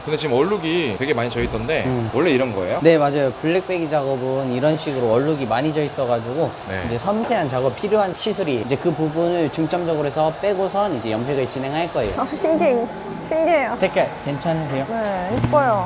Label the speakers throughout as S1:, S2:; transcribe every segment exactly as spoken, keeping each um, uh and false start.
S1: 근데 지금 얼룩이 되게 많이 져 있던데
S2: 음.
S1: 원래 이런 거예요?
S2: 네, 맞아요. 블랙배기 작업은 이런 식으로 얼룩이 많이 져 있어가지고
S1: 네.
S2: 이제 섬세한 작업 필요한 시술이 이제 그 부분을 중점적으로 해서 빼고선 이제 염색을 진행할 거예요.
S3: 아, 신기해. 신기해요.
S2: 색깔 괜찮으세요?
S3: 네, 이뻐요.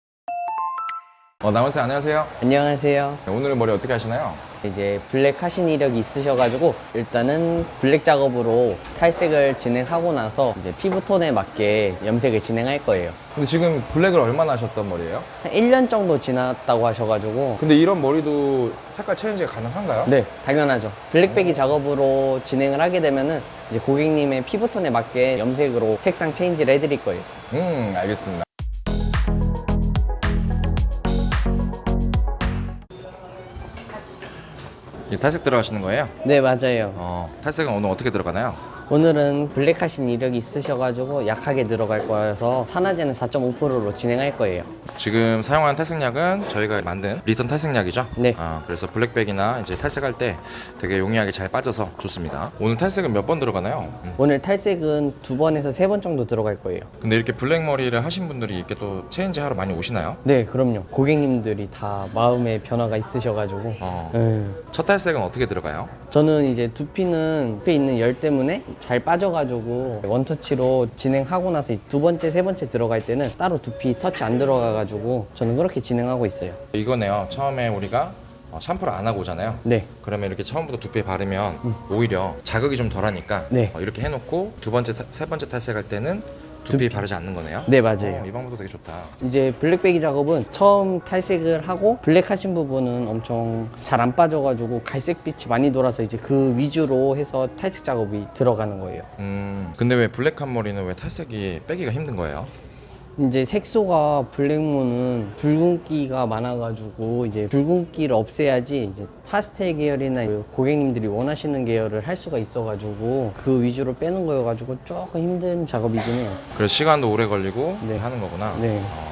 S1: 어, 남원쌤 안녕하세요.
S2: 안녕하세요.
S1: 네, 오늘은 머리 어떻게 하시나요?
S2: 이제 블랙 하신 이력이 있으셔가지고 일단은 블랙 작업으로 탈색을 진행하고 나서 이제 피부톤에 맞게 염색을 진행할 거예요.
S1: 근데 지금 블랙을 얼마나 하셨던 머리예요?
S2: 한 일 년 정도 지났다고 하셔가지고
S1: 근데 이런 머리도 색깔 체인지가 가능한가요?
S2: 네, 당연하죠. 블랙배기 작업으로 진행을 하게 되면은 이제 고객님의 피부톤에 맞게 염색으로 색상 체인지를 해드릴 거예요.
S1: 음, 알겠습니다. 이 탈색 들어가시는 거예요?
S2: 네, 맞아요.
S1: 어, 탈색은 오늘 어떻게 들어가나요?
S2: 오늘은 블랙 하신 이력이 있으셔가지고 약하게 들어갈 거여서 산화제는 사 점 오 퍼센트로 진행할 거예요.
S1: 지금 사용하는 탈색약은 저희가 만든 리턴 탈색약이죠?
S2: 네.
S1: 아, 그래서 블랙백이나 이제 탈색할 때 되게 용이하게 잘 빠져서 좋습니다. 오늘 탈색은 몇 번 들어가나요? 음.
S2: 오늘 탈색은 두 번에서 세 번 정도 들어갈 거예요.
S1: 근데 이렇게 블랙 머리를 하신 분들이 이렇게 또 체인지 하러 많이 오시나요?
S2: 네, 그럼요. 고객님들이 다 마음의 변화가 있으셔가지고
S1: 어.
S2: 네.
S1: 첫 탈색은 어떻게 들어가요?
S2: 저는 이제 두피는 두피에 있는 열 때문에 잘 빠져가지고 원터치로 진행하고 나서 두 번째, 세 번째 들어갈 때는 따로 두피 터치 안 들어가가지고 저는 그렇게 진행하고 있어요.
S1: 이거네요. 처음에 우리가 어, 샴푸를 안 하고 오잖아요.
S2: 네.
S1: 그러면 이렇게 처음부터 두피에 바르면 오히려 자극이 좀 덜하니까
S2: 네.
S1: 어, 이렇게 해놓고 두 번째, 타- 세 번째 탈색할 때는 두피에 바르지 않는 거네요.
S2: 네, 맞아요.
S1: 어, 이 방법도 되게 좋다.
S2: 이제 블랙배기 작업은 처음 탈색을 하고 블랙 하신 부분은 엄청 잘 안 빠져가지고 갈색빛이 많이 돌아서 이제 그 위주로 해서 탈색 작업이 들어가는 거예요.
S1: 음, 근데 왜 블랙한 머리는 왜 탈색이 빼기가 힘든 거예요?
S2: 이제 색소가 블랙무는 붉은기가 많아가지고 이제 붉은기를 없애야지 이제 파스텔 계열이나 그 고객님들이 원하시는 계열을 할 수가 있어가지고 그 위주로 빼는 거여가지고 조금 힘든 작업이긴 해요.
S1: 그래서 시간도 오래 걸리고
S2: 네.
S1: 하는 거구나.
S2: 네.
S1: 어.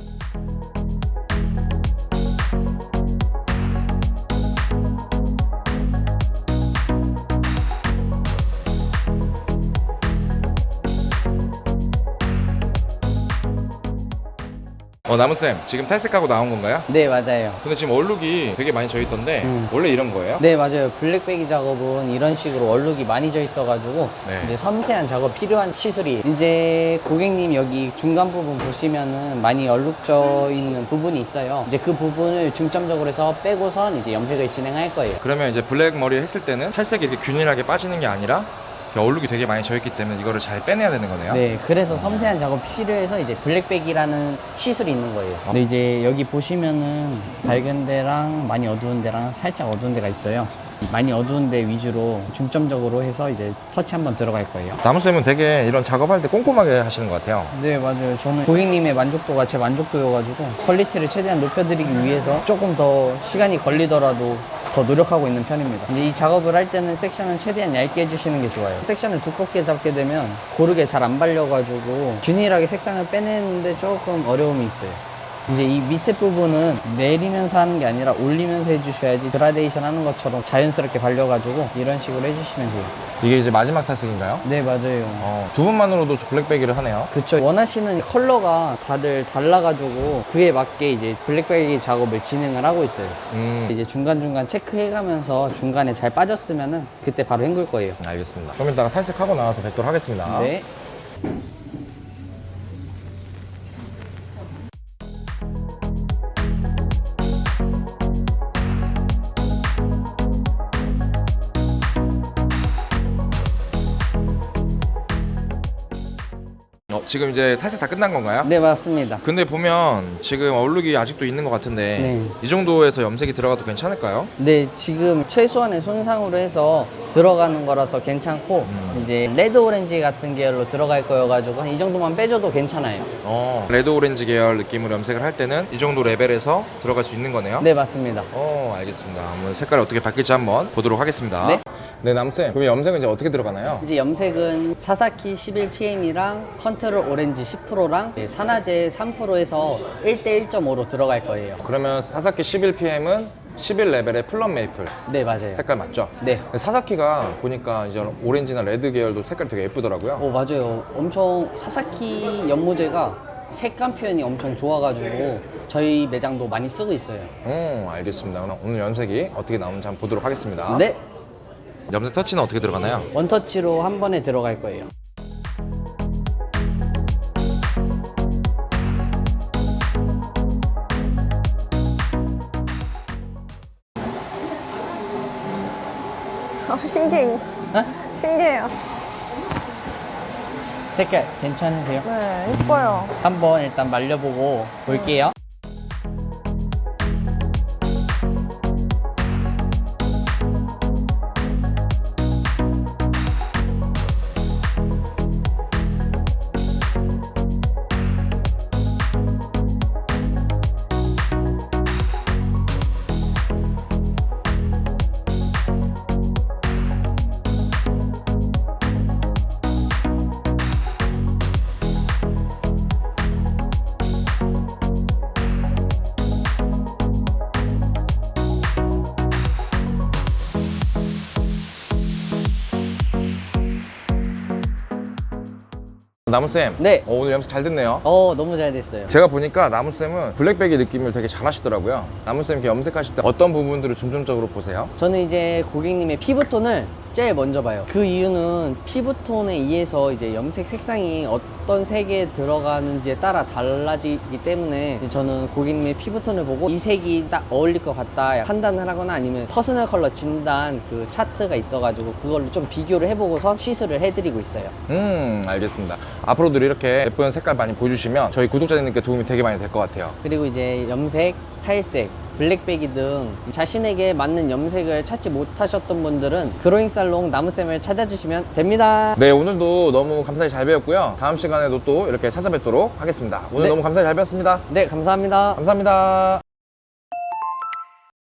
S1: 어, 나무쌤, 지금 탈색하고 나온 건가요?
S2: 네, 맞아요.
S1: 근데 지금 얼룩이 되게 많이 져 있던데
S2: 음.
S1: 원래 이런 거예요?
S2: 네, 맞아요. 블랙배기 작업은 이런 식으로 얼룩이 많이 져 있어가지고
S1: 네.
S2: 이제 섬세한 작업 필요한 시술이 이제 고객님 여기 중간 부분 보시면은 많이 얼룩 져 있는 부분이 있어요. 이제 그 부분을 중점적으로 해서 빼고선 이제 염색을 진행할 거예요.
S1: 그러면 이제 블랙 머리 했을 때는 탈색이 이렇게 균일하게 빠지는 게 아니라 이렇게 얼룩이 되게 많이 져 있기 때문에 이거를 잘 빼내야 되는 거네요?
S2: 네, 그래서 섬세한 작업이 필요해서 이제 블랙백이라는 시술이 있는 거예요. 근데 이제 여기 보시면은 밝은 데랑 많이 어두운 데랑 살짝 어두운 데가 있어요. 많이 어두운 데 위주로 중점적으로 해서 이제 터치 한번 들어갈 거예요.
S1: 나무쌤은 되게 이런 작업할 때 꼼꼼하게 하시는 것 같아요.
S2: 네, 맞아요. 저는 고객님의 만족도가 제 만족도여가지고 퀄리티를 최대한 높여드리기 위해서 조금 더 시간이 걸리더라도 더 노력하고 있는 편입니다. 근데 이 작업을 할 때는 섹션은 최대한 얇게 해주시는 게 좋아요. 섹션을 두껍게 잡게 되면 고르게 잘 안 발려가지고 균일하게 색상을 빼내는데 조금 어려움이 있어요. 이제 이 밑에 부분은 내리면서 하는 게 아니라 올리면서 해주셔야지 그라데이션 하는 것처럼 자연스럽게 발려가지고 이런 식으로 해주시면 돼요.
S1: 이게 이제 마지막 탈색인가요?
S2: 네, 맞아요.
S1: 어, 두 분만으로도 블랙백이를 하네요.
S2: 그쵸. 원하시는 컬러가 다들 달라가지고 그에 맞게 이제 블랙배기 작업을 진행을 하고 있어요.
S1: 음,
S2: 이제 중간중간 체크해가면서 중간에 잘 빠졌으면은 그때 바로 헹굴 거예요.
S1: 알겠습니다. 그럼 이따가 탈색하고 나와서 뵙도록 하겠습니다.
S2: 네.
S1: 어, 지금 이제 탈색 다 끝난 건가요?
S2: 네, 맞습니다.
S1: 근데 보면 지금 얼룩이 아직도 있는 것 같은데
S2: 네.
S1: 이 정도에서 염색이 들어가도 괜찮을까요?
S2: 네, 지금 최소한의 손상으로 해서 들어가는 거라서 괜찮고
S1: 음.
S2: 이제 레드 오렌지 같은 계열로 들어갈 거여가지고 한 이 정도만 빼줘도 괜찮아요.
S1: 어, 레드 오렌지 계열 느낌으로 염색을 할 때는 이 정도 레벨에서 들어갈 수 있는 거네요?
S2: 네, 맞습니다.
S1: 어, 알겠습니다. 한번 색깔이 어떻게 바뀔지 한번 보도록 하겠습니다.
S2: 네.
S1: 네, 남쌤. 그럼 염색은 이제 어떻게 들어가나요?
S2: 이제 염색은 사사키 십일 피엠이랑 컨트롤 오렌지 십 퍼센트랑 산화제 삼 퍼센트에서 일 대 일 점 오로 들어갈 거예요.
S1: 그러면 사사키 십일 피엠은 십일 레벨의 플럼 메이플
S2: 네, 맞아요.
S1: 색깔 맞죠?
S2: 네.
S1: 사사키가 보니까 이제 오렌지나 레드 계열도 색깔이 되게 예쁘더라고요.
S2: 오, 맞아요. 엄청 사사키 연모제가 색감 표현이 엄청 좋아가지고 저희 매장도 많이 쓰고 있어요.
S1: 음, 알겠습니다. 그럼 오늘 염색이 어떻게 나오는지 한번 보도록 하겠습니다.
S2: 네,
S1: 염색 터치는 어떻게 들어가나요?
S2: 원터치로 한 번에 들어갈 거예요.
S3: 어, 신기해.
S2: 어?
S3: 신기해요.
S2: 색깔 괜찮으세요?
S3: 네, 이뻐요.
S2: 한번 일단 말려보고 볼게요.
S1: 나무쌤,
S2: 네.
S1: 어, 오늘 염색 잘 됐네요.
S2: 어, 너무 잘 됐어요.
S1: 제가 보니까 나무쌤은 블랙백의 느낌을 되게 잘 하시더라고요. 나무쌤 이렇게 염색하실 때 어떤 부분들을 중점적으로 보세요?
S2: 저는 이제 고객님의 피부톤을 제일 먼저 봐요. 그 이유는 피부톤에 의해서 이제 염색 색상이 어떤 색에 들어가는지에 따라 달라지기 때문에 이제 저는 고객님의 피부톤을 보고 이 색이 딱 어울릴 것 같다 판단을 하거나 아니면 퍼스널 컬러 진단 그 차트가 있어가지고 그걸로 좀 비교를 해보고서 시술을 해드리고 있어요.
S1: 음, 알겠습니다. 앞으로도 이렇게 예쁜 색깔 많이 보여주시면 저희 구독자님께 도움이 되게 많이 될 것 같아요.
S2: 그리고 이제 염색, 탈색, 블랙배기 등 자신에게 맞는 염색을 찾지 못하셨던 분들은 그로잉 살롱 나무쌤을 찾아주시면 됩니다.
S1: 네, 오늘도 너무 감사히 잘 배웠고요. 다음 시간에도 또 이렇게 찾아뵙도록 하겠습니다. 오늘
S2: 네.
S1: 너무 감사히 잘 배웠습니다.
S2: 네, 감사합니다.
S1: 감사합니다.